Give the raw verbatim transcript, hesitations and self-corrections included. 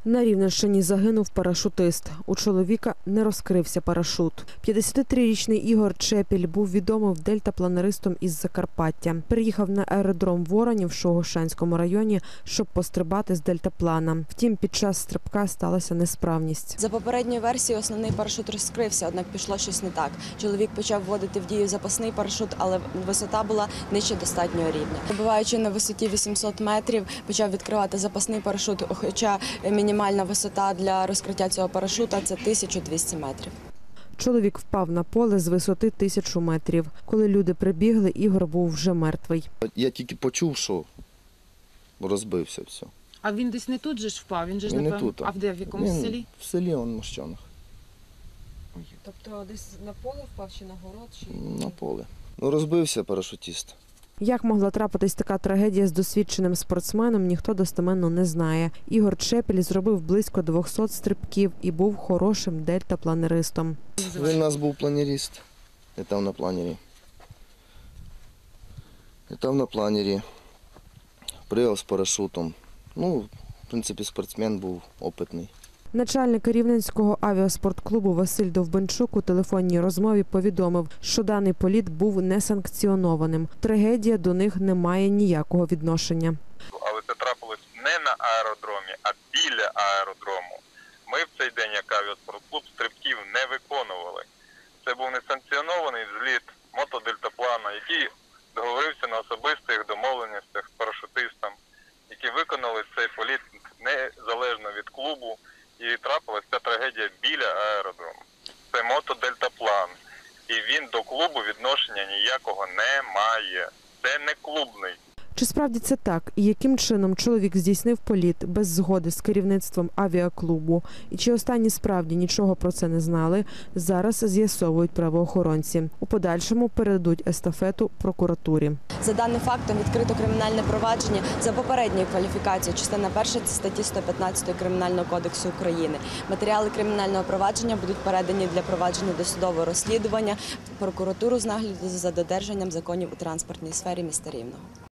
На Рівненщині загинув парашутист. У чоловіка не розкрився парашут. п'ятдесятитрирічний Ігор Чепіль був відомим дельтапланеристом із Закарпаття. Приїхав на аеродром Воронів в Шогошанському районі, щоб пострибати з дельтаплана. Втім, під час стрибка сталася несправність. За попередньою версією, основний парашут розкрився, однак пішло щось не так. Чоловік почав вводити в дію запасний парашут, але висота була нижче достатнього рівня. Перебуваючи на висоті вісімсот метрів, почав відкривати запасний парашут, хоча мінімальна висота для розкриття цього парашута – це тисяча двісті метрів. Чоловік впав на поле з висоти тисячу метрів. Коли люди прибігли, Ігор був вже мертвий. Я тільки почув, що розбився все. А він десь не тут же ж впав? Він же ж Він не напевно. тут. А в де, в якомусь Він селі? В селі, он в Мощанах. Тобто десь на поле впав чи на город? Чи... На поле. Ну, розбився парашутист. Як могла трапитись така трагедія з досвідченим спортсменом, ніхто достеменно не знає. Ігор Чепіль зробив близько двохсот стрибків і був хорошим дельтапланеристом. Він у нас був планеріст. Літав на планері. Літав на планері. Пригав з парашутом. Ну, в принципі, спортсмен був опитний. Начальник Рівненського авіаспортклубу Василь Довбенчук у телефонній розмові повідомив, що даний політ був несанкціонованим. Трагедія до них не має ніякого відношення. Але це трапилось не на аеродромі, а біля аеродрому. Ми в цей день, як авіаспортклуб, стрибків не виконували. Це був несанкціонований зліт мотодельтаплана, який договорився на особистих домовленостях з парашутистом, які виконали цей політ незалежно від клубу. І трапилася ця трагедія біля аеродрому. Це мотодельтаплан. І він до клубу відношення ніякого не має. Це не клубний. Чи справді це так? І яким чином чоловік здійснив політ без згоди з керівництвом авіаклубу? І чи останні справді нічого про це не знали? Зараз з'ясовують правоохоронці. У подальшому передадуть естафету прокуратурі. За даним фактом відкрито кримінальне провадження за попередньою кваліфікацією, частина перша статті сто п'ятнадцять Кримінального кодексу України. Матеріали кримінального провадження будуть передані для провадження досудового розслідування в прокуратуру з нагляду за додержанням законів у транспортній сфері міста Рівного.